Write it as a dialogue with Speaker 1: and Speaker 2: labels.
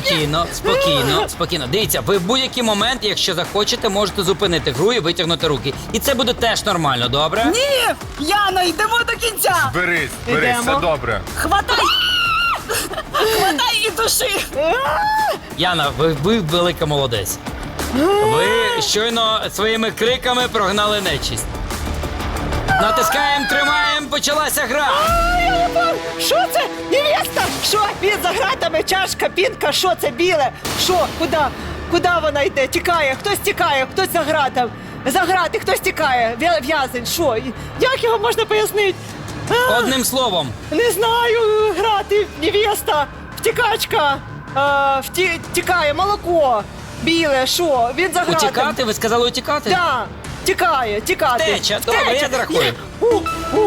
Speaker 1: Спокійно, спокійно, спокійно. Дивіться, ви в будь-який момент, якщо захочете, можете зупинити гру і витягнути руки. І це буде теж нормально, добре?
Speaker 2: Ні! Яна, йдемо до кінця!
Speaker 3: Берись,
Speaker 2: Ідемо.
Speaker 3: все добре.
Speaker 2: Хватай! Хватай і души!
Speaker 1: Яна, ви велика молодець. Ви щойно своїми криками прогнали нечисть. Натискаємо, тримаємо, почалася гра.
Speaker 2: Що це? Невеста! Що? Він за гратами, чашка, пінка, що це біле? Що? Куди? Куди вона йде? Тікає, хтось тікає, хтось за гратом. За грати, хтось тікає. В'язень, що? Як його можна пояснити?
Speaker 1: Одним словом.
Speaker 2: Не знаю, грати, невеста, втікачка, тікає, молоко, біле, що? Він за гратом.
Speaker 1: Утікати? Ви сказали утікати?
Speaker 2: Да, тікає, тікати.
Speaker 1: Втеча, добре, я зарахую.